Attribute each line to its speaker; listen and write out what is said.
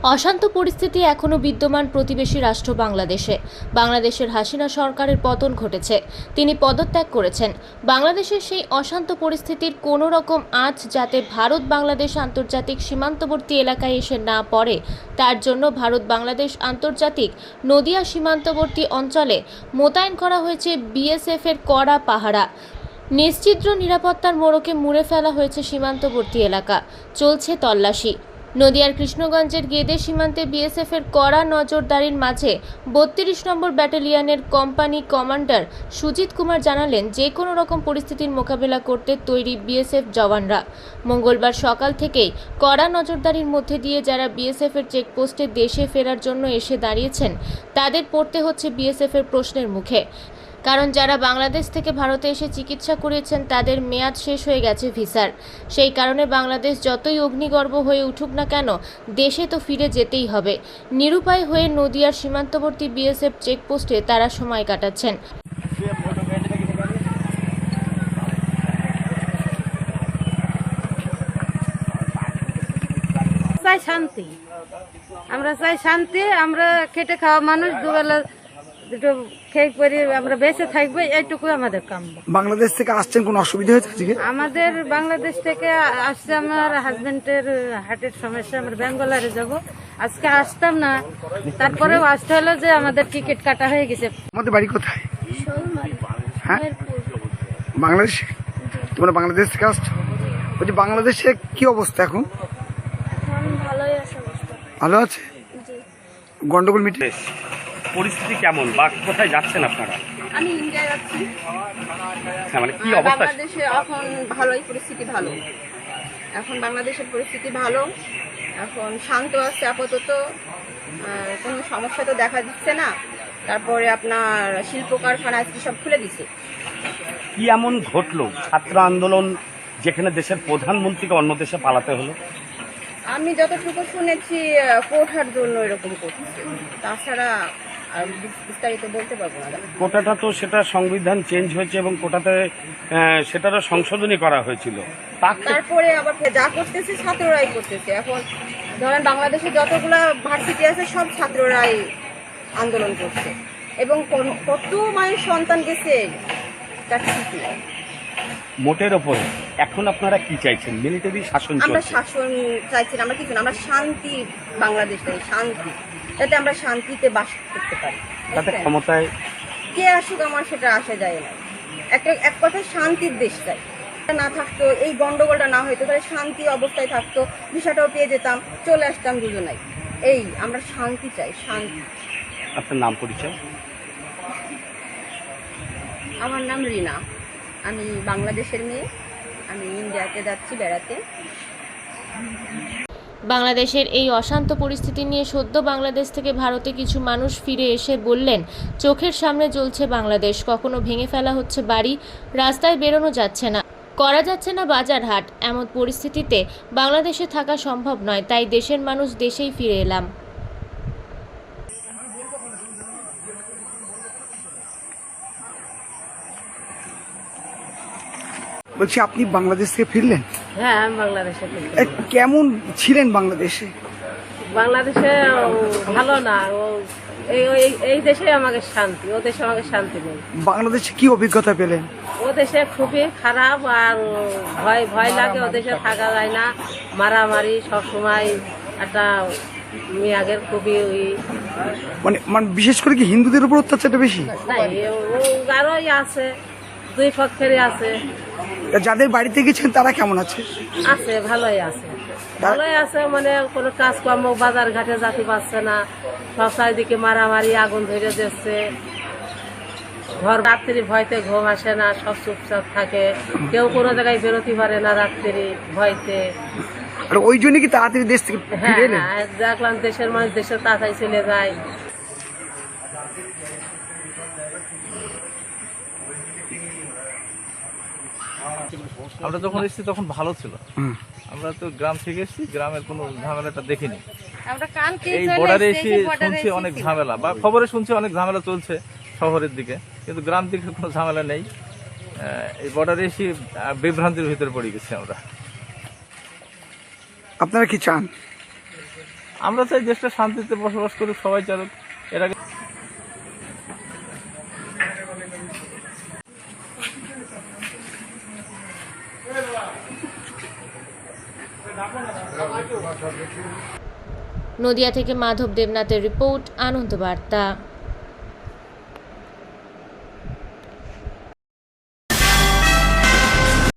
Speaker 1: অশান্ত পরিস্থিতি এখনো বিদ্যমান প্রতিবেশী রাষ্ট্র বাংলাদেশে। বাংলাদেশের হাসিনা সরকারের পতন ঘটেছে, তিনি পদত্যাগ করেছেন। বাংলাদেশের সেই অশান্ত পরিস্থিতির কোনো রকম আঁচ যাতে ভারত বাংলাদেশ আন্তর্জাতিক সীমান্তবর্তী এলাকায় এসে না পড়ে, তার জন্য ভারত বাংলাদেশ আন্তর্জাতিক নদিয়া সীমান্তবর্তী অঞ্চলে মোতায়েন করা হয়েছে বিএসএফ এর কড়া পাহারা। নিশ্চিদ্র নিরাপত্তার মোড়কে মুড়ে ফেলা হয়েছে সীমান্তবর্তী এলাকা, চলছে তল্লাশি। নদিয়ার কৃষ্ণগঞ্জের গেদে সীমান্তে বিএসএফ এর কড়া নজরদারির মাঝে ৩২ নম্বর ব্যাটালিয়নের কোম্পানি কমান্ডার সুজিত কুমার জানালেন, যে কোনো রকম পরিস্থিতির মোকাবেলা করতে তৈরি বিএসএফ জওয়ানরা। মঙ্গলবার সকাল থেকেই কড়া নজরদারির মধ্যে দিয়ে যারা বিএসএফ এর চেকপোস্টে দেশে ফেরার জন্য এসে দাঁড়িয়েছেন, তাদের পড়তে হচ্ছে বিএসএফ এর প্রশ্নের মুখে। কারণ যারা বাংলাদেশ থেকে ভারতে এসে চিকিৎসা করিয়েছেন তাদের মেয়াদ শেষ হয়ে গেছে ভিসার। সেই কারণে বাংলাদেশ যতই অগ্নিগর্ভ হয়ে উঠুক না কেন, দেশে তো ফিরে যেতেই হবে। নিরুপায় হয়ে নদিয়ার সীমান্তবর্তী বিএসএফ চেকপোস্টে তারা সময় কাটাচ্ছেন।
Speaker 2: চাই শান্তি, আমরা চাই শান্তি। আমরা খেটে খাওয়া মানুষ, দুবেলা দুটো খেয়ে পরে আমরা বেঁচে থাকবো, এইটুকুই আমাদের কাম।
Speaker 3: বাংলাদেশ থেকে আসছেন, কোনো অসুবিধা হয়েছে আজকে?
Speaker 2: আমাদের বাংলাদেশ থেকে আসছে, আমার হাজবেন্ডের হার্টের সমস্যা, আমরা ব্যাঙ্গালোরে যাব। আজকে আসতাম না, তারপরেও আসতে হলো যে আমাদের টিকিট কাটা হয়ে গেছে।
Speaker 3: আমাদের বাড়ি কোথায়? হ্যাঁ, বাংলাদেশে। তোমরা বাংলাদেশ থেকে আসছো? বলছি বাংলাদেশে কি অবস্থা এখন? ভালো আছে? গন্ডগোল মিটে
Speaker 4: পরিস্থিতি কেমন বা কোথায় যাচ্ছেন আপনারা?
Speaker 5: আমি ইন্ডিয়ায় যাচ্ছি।
Speaker 4: হ্যাঁ, মানে কি অবস্থা?
Speaker 5: বাংলাদেশে এখন ভালোই পরিস্থিতি ভালো। এখন বাংলাদেশের পরিস্থিতি ভালো, এখন শান্ত আছে আপাতত, কোনো সমস্যা তো দেখা দিচ্ছে না। তারপরে আপনার শিল্প কারখানা আজকে সব খুলে দিছে।
Speaker 4: কি এমন ঘটলো ছাত্র আন্দোলন যেখানে দেশের প্রধানমন্ত্রীকে অন্য দেশে পালাতে হলো?
Speaker 5: আমি যতটুকু শুনেছি কোটার জন্য এরকম করছে, তাছাড়া আর বিস্তারিত বলতে পারবো না।
Speaker 4: কোটাটা তো সেটা সংবিধান চেঞ্জ হয়েছে এবং কোটাতে সেটারও সংশোধনী করা হয়েছিল।
Speaker 5: তারপরে আবার যা করতেছে ছাত্ররাই করতেছে। এখন ধরেন বাংলাদেশে যতগুলা ভার্সিটি আছে সব ছাত্ররাই আন্দোলন করছে, এবং কত মায়ের সন্তান গেছে তার ঠিক নেই।
Speaker 4: মোটের ওপরে এখন আপনারা কি চাইছেন? মিলিটারি শাসন
Speaker 5: আমরা
Speaker 4: চলছে।
Speaker 5: শাসন চাইছি না, আমরা কিছু না, আমরা শান্তি বাংলাদেশ চাই, শান্তি, যাতে আমরা শান্তিতে বাস করতে পারি।
Speaker 4: তাতে ক্ষমতায়
Speaker 5: কে আসুক আমার সেটা আসা যায় না। এক কথায় শান্তির দেশ চাই। না থাকতো, এই গন্ডগোলটা না হইতো, তাহলে শান্তি অবস্থায় থাকতো, ভিসাটাও পেয়ে যেতাম, চলে আসতাম দুজনাই। এই আমরা শান্তি চাই, শান্তি।
Speaker 4: আপনার নাম পরিচয়?
Speaker 5: আমার নাম রিনা, আমি বাংলাদেশের মেয়ে, আমি ইন্ডিয়াতে যাচ্ছি বেড়াতে।
Speaker 1: বাংলাদেশের এই অশান্ত পরিস্থিতি নিয়ে সদ্য বাংলাদেশ থেকে ভারতে কিছু মানুষ ফিরে এসে বললেন, চোখের সামনে জ্বলছে বাংলাদেশ, কখনো ভেঙে ফেলা হচ্ছে বাড়ি, রাস্তায় বেরোনো যাচ্ছে না, করা যাচ্ছে না বাজার হাট। এমন পরিস্থিতিতে বাংলাদেশে থাকা সম্ভব নয়, তাই দেশের মানুষ দেশেই ফিরে এলাম।
Speaker 3: বলছি আপনি বাংলাদেশ থেকে ফিরলেন?
Speaker 2: হ্যাঁ, আমি বাংলাদেশে থাকি।
Speaker 3: কেমন ছিলেন বাংলাদেশে?
Speaker 2: বাংলাদেশে ভালো না, এই দেশে আমাকে শান্তি, ও দেশে আমাকে শান্তি নেই।
Speaker 3: বাংলাদেশে কি অভিজ্ঞতা পেলেন?
Speaker 2: ও দেশে খুবই খারাপ, আর ভয় ভয় লাগে, ও দেশে থাকা যায় না, মারামারি সবসময়, একটা মেয়াগের খুবই
Speaker 3: মানে মানে বিশেষ করে কি হিন্দুদের উপর অত্যাচারটা বেশি?
Speaker 2: নাই, ও আরোই আছে, দুই পক্ষেরই আছে।
Speaker 3: যাদের বাড়িতে গেছেন তারা কেমন আছে?
Speaker 2: আছে, ভালোই আছে, ভালোই আছে। মানে কোনো কাজকর্ম বাজার ঘাটে যেতে পারছে না, সব চারিদিকে মারামারি, আগুন ধরে দিচ্ছে, ঘর রাত্রি ভয়তে ঘুম আসে না, সব চুপচাপ থাকে, কেউ কোনো জায়গায় বেরোতে পারে না রাত্রি ভয়তে।
Speaker 3: আর ওই জন্য কি তাড়াতাড়ি দেশ থেকে
Speaker 2: হ্যাঁ
Speaker 3: ফিরে এলেন?
Speaker 2: হ্যাঁ, দেখলাম দেশের মানুষ দেশের তাড়াতাড়ি চলে যায়।
Speaker 6: আমরা যখন এসেছি তখন ভালো ছিল। আমরা তো গ্রাম থেকে এসেছি, গ্রামের কোনো ঝামেলাটা দেখিনি। এই বর্ডারে এসে শুনছি অনেক ঝামেলা, বা খবরে শুনছি অনেক ঝামেলা চলছে শহরের দিকে, কিন্তু গ্রাম দিকে কোনো ঝামেলা নেই। এই বর্ডারে এসে বিভ্রান্তির ভিতরে পড়ে গেছি আমরা।
Speaker 3: আপনারা কি চান?
Speaker 6: আমরা চাই দেশটা শান্তিতে বসবাস করুক, সবাই চালুক। এর আগে
Speaker 1: নদিয়া থেকে মাধব দেবনাথের রিপোর্ট, আনন্দ বার্তা।